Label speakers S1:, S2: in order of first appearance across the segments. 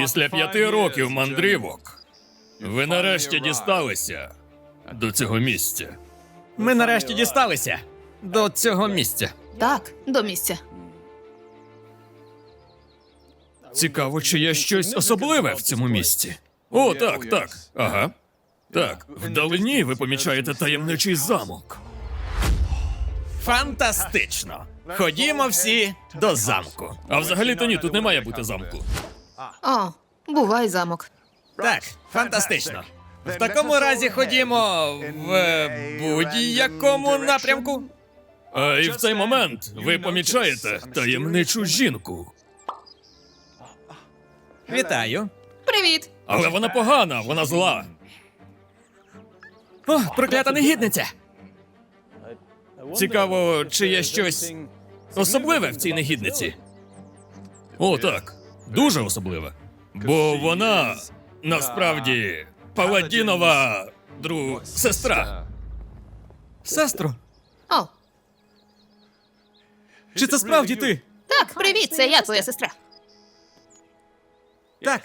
S1: Після 5 років мандрівок ви нарешті дісталися до цього місця.
S2: Ми нарешті дісталися до цього місця.
S3: Так, до місця.
S1: Цікаво, чи є щось особливе в цьому місці. О, так, так. Ага. Так, вдалині ви помічаєте таємничий замок.
S2: Фантастично! Ходімо всі до замку.
S1: А взагалі-то ні, тут не має бути замку.
S3: О, бувай замок.
S2: Так, фантастично. В такому разі ходімо в будь-якому напрямку.
S1: А і в цей момент ви помічаєте таємничу жінку.
S2: Вітаю.
S3: Привіт!
S1: Але вона погана, вона зла.
S2: О, проклята негідниця! Цікаво, чи є щось особливе в цій негідниці.
S1: О, так. Дуже особливе. Бо вона насправді Паладінова сестра.
S2: Сестро,
S3: О,
S2: чи це справді ти?
S3: так, привіт, це я, твоя сестра.
S2: Так.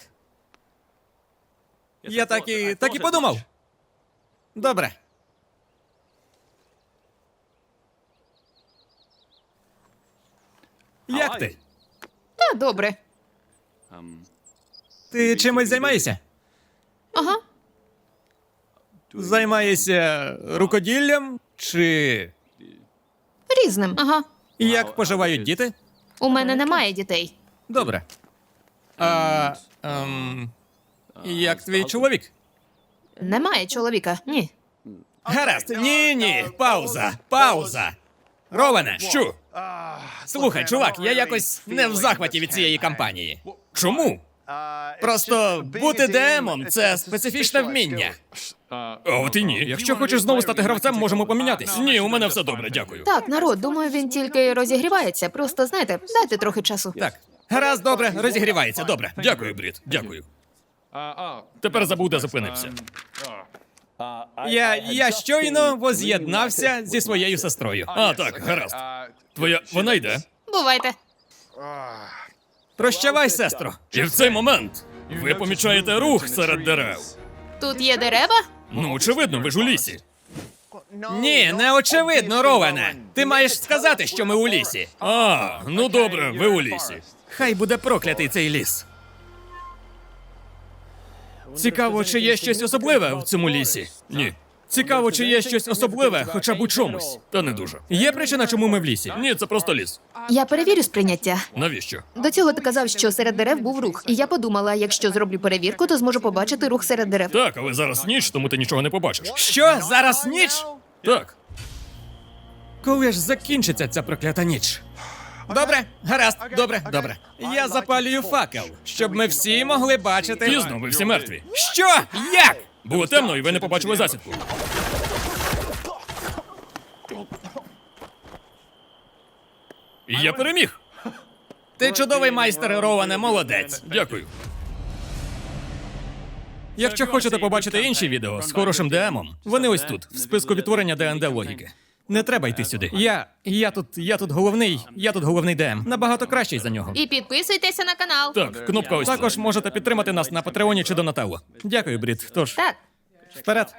S2: Я так і подумав. Добре. Як ти?
S3: Та добре.
S2: Ти чимось займаєшся?
S3: Ага.
S2: Займаєшся рукоділлям? Чи
S3: Різним. Ага.
S2: як поживають діти?
S3: У мене немає дітей.
S2: Добре. Як твій чоловік?
S3: Немає чоловіка. Ні.
S2: Гаразд. Ні. Пауза. Роване.
S1: Що?
S2: Слухай, чувак, я якось не в захваті від цієї кампанії.
S1: Чому?
S2: Просто бути ДМом – це специфічне вміння.
S1: А от і ні. Якщо хочеш знову стати гравцем, можемо помінятись. Ні, у мене все добре, дякую.
S3: Так, народ, думаю, він тільки розігрівається. Просто, знаєте, дайте трохи часу.
S2: Так. Гаразд, добре, розігрівається, добре.
S1: Дякую, Брід, дякую. Тепер забув, де зупинився.
S2: Я щойно воз'єднався зі своєю сестрою.
S1: А, так, гаразд. Твоя... вона йде.
S3: Бувайте.
S2: Прощавай, сестро.
S1: І в цей момент ви помічаєте рух серед дерев.
S3: Тут є дерева?
S1: Ну, очевидно, ви ж у лісі.
S2: Ні, не очевидно, Роване. Ти маєш сказати, що ми у лісі.
S1: А, ну добре, ви у лісі.
S2: Хай буде проклятий цей ліс.
S1: Цікаво, чи є щось особливе в цьому лісі? Ні. Цікаво, чи є щось особливе хоча б у чомусь. Та не дуже.
S2: Є причина, чому ми в лісі?
S1: Ні, це просто ліс.
S3: Я перевірю сприйняття.
S1: Навіщо?
S3: До цього ти казав, що серед дерев був рух. І я подумала, якщо зроблю перевірку, то зможу побачити рух серед дерев.
S1: Так, але зараз ніч, тому ти нічого не побачиш.
S2: Що? Зараз ніч?
S1: Так.
S2: Коли ж закінчиться ця проклята ніч? Добре, гаразд, добре. Я запалюю факел, щоб ми всі могли бачити.
S1: Пізно, ви всі мертві.
S2: Що? Як?
S1: Було темно, і ви не побачили засідку. І я переміг.
S2: Ти чудовий майстер, Роване, молодець.
S1: Дякую.
S2: Якщо хочете побачити інші відео з хорошим ДМом, вони ось тут, в списку відтворення ДНД логіки. Не треба йти сюди. Я тут головний ДМ. Набагато кращий за нього.
S3: І підписуйтеся на канал.
S1: Так, кнопка ось.
S2: Також можете підтримати нас на Патреоні чи Донателло. Дякую, Брід. Тож,
S3: Так.
S2: вперед.